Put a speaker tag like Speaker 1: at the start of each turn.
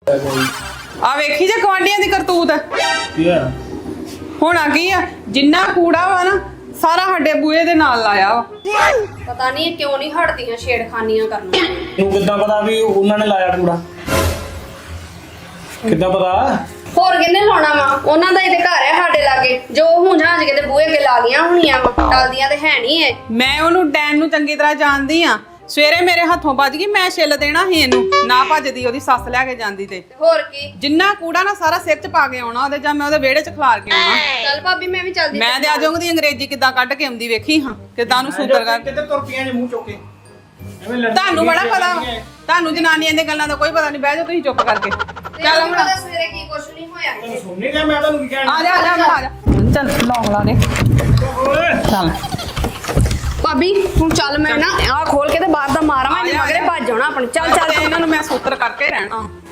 Speaker 1: ਆ ਵੇਖੀ ਜੇ ਗਵਾਂਢੀਆਂ ਦੀ ਕਰਤੂਤ
Speaker 2: ਕੀ ਆ
Speaker 1: ਹੋਣਾ ਕੀ ਆ ਜਿੰਨਾ ਕੂੜਾ ਵਾ ਨਾ ਸਾਰਾ ਸਾਡੇ ਬੂਹੇ ਦੇ ਨਾਲ ਲਾਇਆ ਵਾ।
Speaker 3: ਪਤਾ ਨਹੀਂ ਕਿਉਂ ਨਹੀਂ ਹਟਦੀਆਂ ਛੇੜਖਾਨੀਆਂ ਕਰਨਾ।
Speaker 2: ਤੂੰ ਕਿੱਦਾਂ ਪਤਾ ਵੀ ਉਹਨਾਂ ਨੇ ਲਾਇਆ ਕੂੜਾ? ਕਿੱਦਾਂ ਪਤਾ?
Speaker 3: ਹੋਰ ਕਿੰਨੇ ਲਾਉਣਾ ਵਾ? ਉਹਨਾਂ ਦਾ ਹੀ ਤੇ ਘਰ ਹੈ ਸਾਡੇ ਲਾਗੇ, ਜੋ ਹੁਣ ਜਾਂਜ ਕੇ ਤੇ ਬੂਹੇ ਅੱਗੇ ਲਾ ਗਈਆਂ ਹੋਣੀਆਂ ਵਾ, ਟਲਦੀਆਂ ਤੇ ਹੈ ਨਹੀਂ ਐ।
Speaker 1: ਮੈਂ ਉਹਨੂੰ ਡੈਨ ਨੂੰ ਚੰਗੀ ਤਰ੍ਹਾਂ ਜਾਣਦੀ ਆ। ਸਵੇਰੇ ਮੇਰੇ ਹੱਥੋਂ ਵੱਜ ਗਈ, ਮੈਂ ਛਿੱਲ ਦੇਣਾ ਸੀ ਇਹਨੂੰ, ਨਾ ਭੱਜਦੀ ਉਹਦੀ ਸੱਸ ਲੈ ਕੇ ਜਾਂਦੀ ਤੇ।
Speaker 3: ਹੋਰ ਕੀ,
Speaker 1: ਜਿੰਨਾ ਕੂੜਾ ਨਾ ਸਾਰਾ ਸਿਰ 'ਚ ਪਾ ਕੇ ਆਉਣਾ ਉਹਦੇ, ਜਾਂ ਮੈਂ ਉਹਦੇ ਵਿਹੜੇ 'ਚ ਖਲਾਰ ਕੇ ਆਉਣਾ।
Speaker 3: ਚੱਲ ਭਾਬੀ ਮੈਂ ਵੀ ਚੱਲਦੀ।
Speaker 1: ਮੈਂ ਤੇ ਅੱਜ ਉਹਦੀ ਅੰਗਰੇਜ਼ੀ ਕਿੱਦਾਂ ਕੱਢ ਕੇ ਆਉਂਦੀ ਵੇਖੀ ਹਾਂ, ਕਿੱਦਾਂ ਉਹਨੂੰ ਸੁੰਦਰ ਕਰ।
Speaker 2: ਕਿੱਧਰ ਤੁਰ ਪਈਆਂ ਜੇ ਮੂੰਹ ਚੁੱਕ ਕੇ? ਐਵੇਂ ਲੜਦੀ
Speaker 1: ਤੁਹਾਨੂੰ ਬੜਾ ਪਤਾ ਵਾ, ਤੁਹਾਨੂੰ ਜਨਾਨੀਆਂ ਦੀਆਂ ਗੱਲਾਂ ਦਾ ਕੋਈ ਪਤਾ ਨਹੀਂ। ਬਹਿ ਜਾਓ ਤੁਸੀਂ ਚੁੱਪ ਕਰਕੇ। ਚੱਲ ਹੁਣ
Speaker 3: ਸਵੇਰੇ ਕੀ ਕੁਛ ਨਹੀਂ ਹੋਇਆ।
Speaker 2: ਤੈਨੂੰ ਸੁਣ ਨਹੀਂ ਰਿਹਾ ਮੈਂ ਤੁਹਾਨੂੰ ਕੀ ਕਹਿਣਾ?
Speaker 1: ਆ ਜਾ ਆ ਜਾ ਚੱਲ ਲੌਂਗ ਲਾ ਦੇ ਚੱਲ
Speaker 3: ਭਾਬੀ ਹੁਣ ਚੱਲ, ਮੈਂ ਨਾ ਆਹ ਖੋਲ ਕੇ ਤੇ ਬਾਹਰ ਦਾ ਮਾਰਾਂ, ਮੈਂ ਮਗਰੇ ਭੱਜ ਜਾਣਾ ਆਪਣੇ। ਚੱਲ ਚੱਲ
Speaker 1: ਇਹਨਾਂ ਨੂੰ ਮੈਂ ਸੂਤਰ ਕਰਕੇ ਰਹਿਣਾ।